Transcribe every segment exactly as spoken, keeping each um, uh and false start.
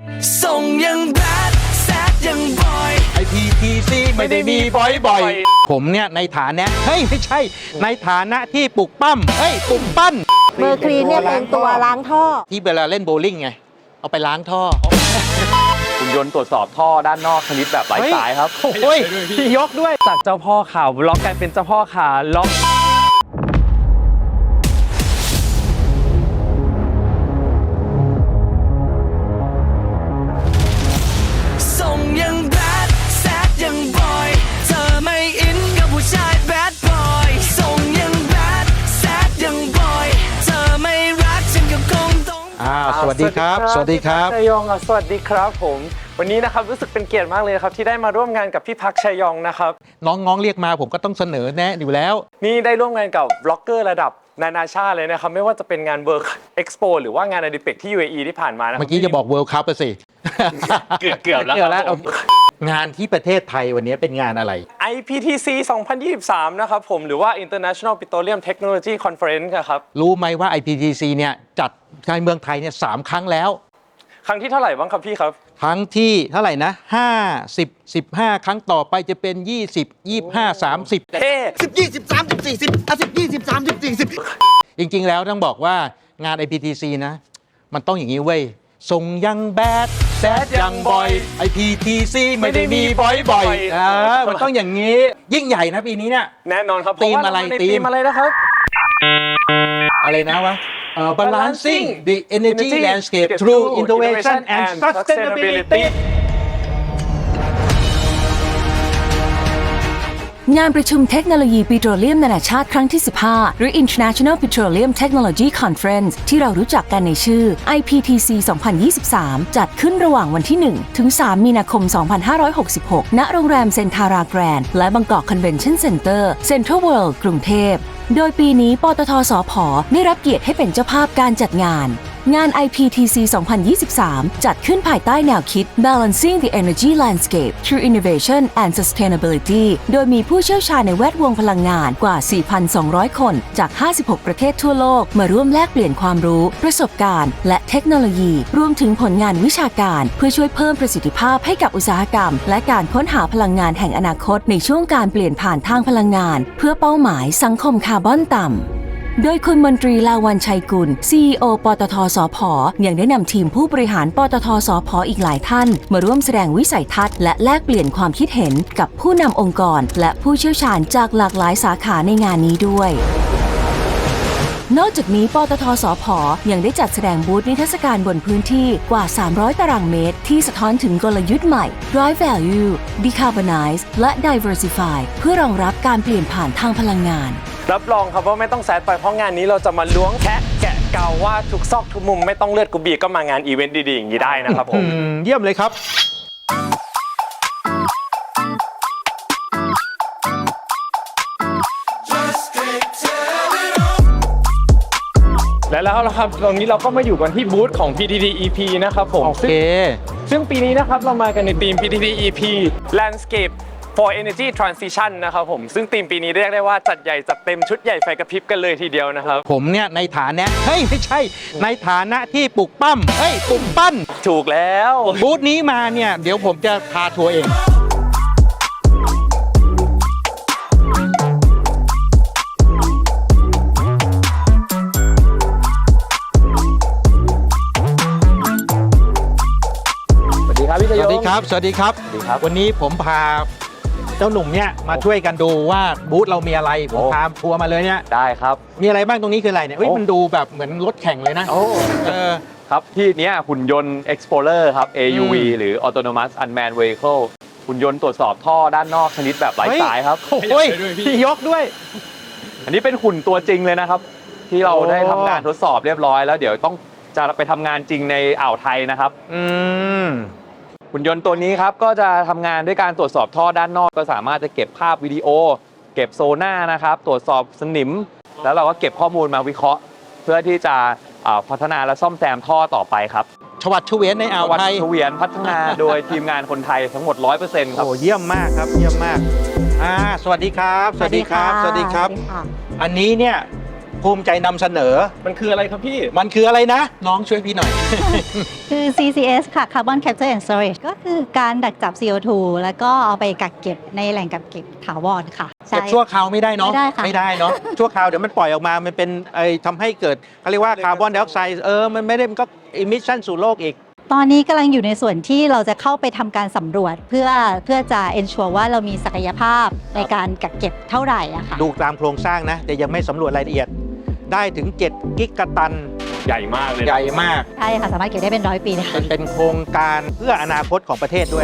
ส่งยังแบดแซดยังบอยไอพีทีซีไม่ได้มีบ่อยๆผมเนี่ยในฐานะเฮ้ยไม่ใช่ในฐานะที่ปลุกปั้มเฮ้ยปลุกปั้นเมอร์คลีนเนี่ยเป็นตัวล้างท่อที่เวลาเล่นโบว์ลิ่งไงเอาไปล้างท่อหุ่นยนต์ตรวจสอบท่อด้านนอกชนิดแบบไร้สายครับโอ้ยพี่ยกด้วยจากเจ้าพ่อขาล็อกกลายเป็นเจ้าพ่อขาล็อกส่งยังแบดแซดยังบอยเธอไม่อินกับผู้ชายแบดบอยส่งยังแบดแซดยังบอยเธอไม่รักฉันก็คงต้องอ่าสวัสดีครับสวัสดีครับชัยยองสวัสดีครับผมวันนี้นะครับรู้สึกเป็นเกียรติมากเลยครับที่ได้มาร่วมงานกับพี่พักชัยยองนะครับน้องๆเรียกมาผมก็ต้องเสนอแนะอยู่แล้วนี่ได้ร่วมงานกับบล็อกเกอร์ระดับนานาชาติเลยนะครับไม่ว่าจะเป็นงาน World Expo หรือว่างานอดิเปกที่ ยู เอ อี ที่ผ่านมานะเมื่อกี้จะบอก World Cup ไปสิเกือบเกือบแล้วงานที่ประเทศไทยวันนี้เป็นงานอะไรไอ พี ที ซี สองพันยี่สิบสามนะครับผมหรือว่า International Petroleum Technology Conference ครับรู้ไหมว่า ไอ พี ที ซี เนี่ยจัดในเมืองไทยเนี่ยสามครั้งแล้วครั้งที่เท่าไหร่บ้างครับพี่ครับครั้งที่เท่าไหร่นะห้า สิบ สิบห้าครั้งต่อไปจะเป็นยี่สิบ ยี่สิบห้า สามสิบเท่สิบ ยี่สิบ สามสิบ สี่สิบอ่ะสิบ ยี่สิบ สามสิบ สี่สิบจริงๆแล้วต้องบอกว่างาน ไอ พี ที ซี นะมันต้องอย่างนี้เว้ยส่งยังแบดแซดยังบอย ไอ พี ที ซี ไม่ได้มีบ่อยๆอ่ามันต้องอย่างนี้ยิ่งใหญ่นะปีนี้เนี่ยแน่นอนครับธีมอะไรธีมอะไรนะครับอะไรนะวะUh, balancing the energy landscape through innovation and sustainability งานประชุมเทคโนโลยีปิโตรเลียมนานาชาติครั้งที่ สิบห้า หรือ International Petroleum Technology Conference ที่เรารู้จักกันในชื่อ ไอ พี ที ซี สองพันยี่สิบสาม จัดขึ้นระหว่างวันที่ หนึ่ง ถึง สาม มีนาคม สองพันห้าร้อยหกสิบหก ณ โรงแรมเซนทาราแกรนด์และบางกอกคอนเวนชั่นเซ็นเตอร์เซ็นทรัลเวิลด์กรุงเทพโดยปีนี้ปตท.สผ.ได้รับเกียรติให้เป็นเจ้าภาพการจัดงานงาน ไอ พี ที ซี สองพันยี่สิบสาม จัดขึ้นภายใต้แนวคิด Balancing the Energy Landscape through Innovation and Sustainability โดยมีผู้เชี่ยวชาญในแวดวงพลังงานกว่า สี่พันสองร้อย คนจาก ห้าสิบหก ประเทศทั่วโลกมาร่วมแลกเปลี่ยนความรู้ประสบการณ์และเทคโนโลยีรวมถึงผลงานวิชาการเพื่อช่วยเพิ่มประสิทธิภาพให้กับอุตสาหกรรมและการค้นหาพลังงานแห่งอนาคตในช่วงการเปลี่ยนผ่านทางพลังงานเพื่อเป้าหมายสังคมคาร์บอนต่ำโดยคุณมนตรีลาวันชัยกุล ซี อี โอ ปตท.สผ.ยังได้นำทีมผู้บริหารปตท.สผ.อีกหลายท่านมาร่วมแสดงวิสัยทัศน์และแลกเปลี่ยนความคิดเห็นกับผู้นำองค์กรและผู้เชี่ยวชาญจากหลากหลายสาขาในงานนี้ด้วยนอกจากนี้ปตท.สผ.ยังได้จัดแสดงบูธนิทรรศการบนพื้นที่กว่า สามร้อย ตารางเมตรที่สะท้อนถึงกลยุทธ์ใหม่ Drive Value Decarbonize และ Diversify เพื่อรองรับการเปลี่ยนผ่านทางพลังงานรับรองครับว่าไม่ต้องแซดไปเพราะงานนี้เราจะมาล้วงแคะแกะเกาว่าทุกซอกทุกมุมไม่ต้องเลือดกูบีก็มางานอีเวนต์ดีๆอย่างนี้ได้นะครับผมเยี่ยมเลยครับและแล้วครับตรงนี้เราก็มาอยู่กันที่บูธของ พี ที ที อี พี นะครับผมโอเคซึ่งปีนี้นะครับเรามากันในทีม พี ที ที อี พี Landscape for Energy Transition นะครับผมซึ่งทีมปีนี้เรียกได้ว่าจัดใหญ่จัดเต็มชุดใหญ่ไฟกระพริบกันเลยทีเดียวนะครับผมเนี่ยในฐานะเฮ้ยไม่ใช่ในฐานะที่ปลุกปั้มเฮ้ยปลุกปั้นถูกแล้วบูธนี้มาเนี่ยเดี๋ยวผมจะพาทัวร์เองสวัสดีครับพี่ชยงสวัสดีครับสวัสดีครับวันนี้ผมพาเจ้าหนุ่มเนี่ยมาช่วยกันดูว่าบูธเรามีอะไรผมพาทัวร์มาเลยเนี่ยได้ครับมีอะไรบ้างตรงนี้คืออะไรเนี่ยเฮ้ยมันดูแบบเหมือนรถแข่งเลยนะโอ้เออครับที่นี้หุ่นยนต์ Explorer ครับ เอ ยู วี หรือ Autonomous Unmanned Vehicle หุ่นยนต์ตรวจสอบท่อด้านนอกชนิดแบบไร้สายครับโอ้ยพี่ยกด้วยอันนี้เป็นหุ่นตัวจริงเลยนะครับที่เราได้ทำการทดสอบเรียบร้อยแล้วเดี๋ยวต้องจะไปทำงานจริงในอ่าวไทยนะครับอืมหุ่นยนต์ตัวนี้ครับก็จะทำงานด้วยการตรวจสอบท่อด้านนอกก็สามารถจะเก็บภาพวิดีโอเก็บโซน่านะครับตรวจสอบสนิมแล้วเราก็เก็บข้อมูลมาวิเคราะห์เพื่อที่จะพัฒนาและซ่อมแซมท่อต่อไปครับชวัดเฉวียนในอ่าวไทยชวัดเฉวียนพัฒนาโดยทีมงานคนไทยทั้งหมด ร้อยเปอร์เซ็นต์ ครับโอ้เยี่ยมมากครับเยี่ยมมากอ่าสวัสดีครับสวัสดีครับสวัสดีครับอันนี้เนี่ยภูมิใจนำเสนอมันคืออะไรครับพี่มันคืออะไรนะ น้องช่วยพี่หน่อยคือ ซี ซี เอส ค่ะ Carbon Capture and Storage ก็คือการดักจับ ซี โอ ทู แล้วก็เอาไปกักเก็บในแหล่งกักเก็บถาวรค่ะเก็บชั่วคราวไม่ได้เนาะไม่ได้ค่ะไม่ได้เนาะ ชั่วคราวเดี๋ยวมันปล่อยออกมา มันเป็นไอทำให้เกิดเขาเรียกว่าคาร์บอนไดออกไซด์เออ มันไม่ได้มันก็อิมิชชั่นสู่โลกอีกตอนนี้กำลังอยู่ในส่วนที่เราจะเข้าไปทำการสำรวจ เพื่อเพื่อจะ ensure ว่าเรามีศักยภาพในการกักเก็บเท่าไหร่อะค่ะดูตามโครงสร้างนะ แต่ยังไม่สำรวจรายละเอียด ได้ถึง เจ็ด กิกะตันใหญ่มากเลยนะใหญ่มากใช่ค่ะ สามารถเก็บได้เป็นร้อยปีเลยเป็ค่ะนเป็นโครงการเพื่ออนาคตของประเทศด้วย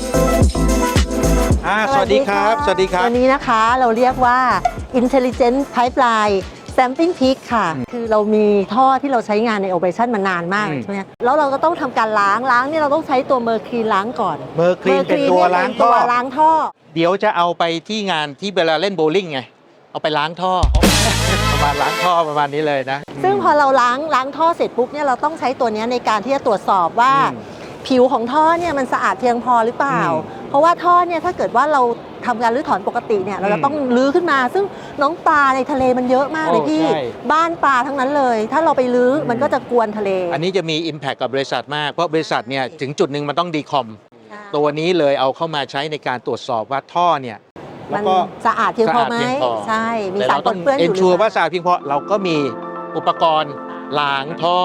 อ่าสวัสดีครับ สวัสดีครับตัวนี้นะคะเราเรียกว่า Intelligent Pipeline Sampling Peak ค่ะ คือเรามีท่อที่เราใช้งานใน operation มานานมากอืมใช่ไหมแล้วเราก็ต้องทำการล้างล้างเนี่ยเราต้องใช้ตัวเมอร์คลีนล้างก่อนเมอร์คลีนเป็นตัวล้างตัท่อวล้างท่อเดี๋ยวจะเอาไปที่งานที่เวลาเล่นโบว์ลิ่งไง เอาไปล้างท่อ ประมาณล้างท่อประมาณนี้เลยนะซึ่งพอเราล้างล้างท่อเสร็จปุ๊บเนี่ยเราต้องใช้ตัวเนี้ยในการที่จะตรวจสอบว่าอืมผิวของท่อเนี่ยมันสะอาดเพียงพอหรือเปล่าอืมเพราะว่าท่อเนี่ยถ้าเกิดว่าเราทำการรื้อถอนปกติเนี่ยเราอืจะมต้องรื้อขึ้นมา ซึ่งน้องปลาในทะเลมันเยอะมากเลยโอ้พี่ใช่บ้านปลาทั้งนั้นเลย ถ้าเราไปรื้ออมมันก็จะกวนทะเลอันนี้จะมี Impact กับบริษัทมาก เพราะบริษัทเนี่ยถึงจุดหนึ่งมันต้องดีคอม ตัวนี้เลยเอาเข้ามาใช้ในการตรวจสอบว่าท่อเนี่ยมัแล้วนก็สะอาดเพียงพอไหมสะอาดเพียงพอใช่ มีแต่สารเราปต้อน งเปื้อนอเอนยู่หชัวรือว่าเปล่าสะอาดเพียงพอเราก็มีอุปกรณ์ล้างท่อ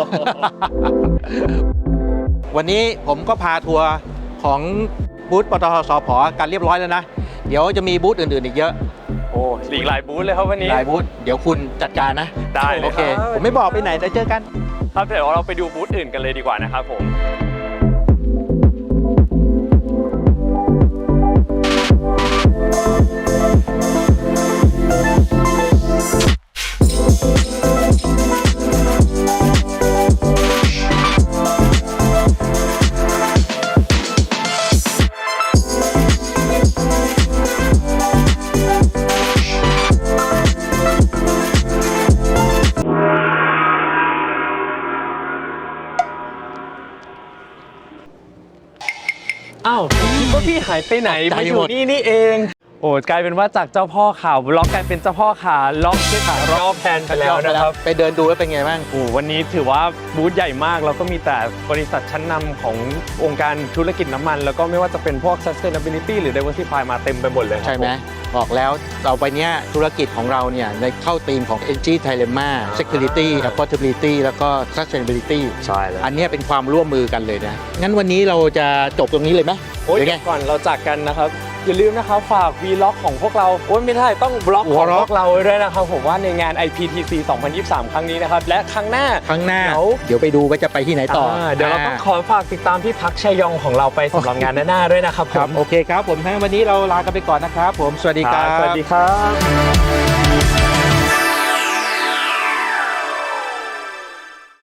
วันนี้ผมก็พาทัวร์ของบูธปตทสผกันเรียบร้อยแล้วนะ เดี๋ยวจะมีบูธอื่นๆอีกเยอะโอ้อีกหลายบูธเลยครับวันนี้หลายบูธเดี๋ยวคุณจัดการนะได้เลยโอเคครับผมไม่บอกไปไหนแต่เจอกันครับเดี๋ยวเราไปดูบูธอื่นกันเลยดีกว่านะครับผม อ้าวผมคิดว่าพี่หายไปไหนตกใจมาอหยู่มดนี่นี่เอง โอ้กลายเป็นว่าจากเจ้าพ่อข่าวล็อกกลายเป็นเจ้าพ่อขาล็อกที่ขาล็อกแพนไปแล้วนะครับไปเดินดูแล้วเป็นไงบ้างโอ้วันนี้ถือว่าบูธใหญ่มากแล้วก็มีแต่บริษัทชั้นนำขององค์การธุรกิจน้ำมัน แล้วก็ไม่ว่าจะเป็นพวก sustainability หรือ diversify มาเต็มไปหมดเลยครับใช่ไหมบอกแล้วเราไปเนี้ยธุรกิจของเราเนี่ยในเข้าธีมของ Energy Dilemma Security Affordability แล้วก็ Sustainability ใช่แล้วอันเนี้ยเป็นความร่วมมือกันเลยนะ งั้นวันนี้เราจะจบตรงนี้เลยไหมโอ้ยหรือไงเดี๋ยวก่อนเราจากกันนะครับ อย่าลืมนะครับฝาก Vlog ของพวกเราโอ้ยไม่ได้ต้องบล็อกของ Vlog พวกเราด้วยนะครับผมว่าในงาน ไอ พี ที ซี สองพันยี่สิบสาม ครั้งนี้นะครับและครั้งหน้าครั้งหน้าเดี๋ยวเดี๋ยวไปดูว่าจะไปที่ไหนต่ออาเดี๋ยวเราต้องขอฝากติดตามพี่พักชัยยองของเราไปสำหรับงานหน้าๆด้วยนะครับผครับมโอเคครับผมทั้งวันนี้เราลากันไปก่อนนะครับผม สวัสดีครับสวัสดีครับ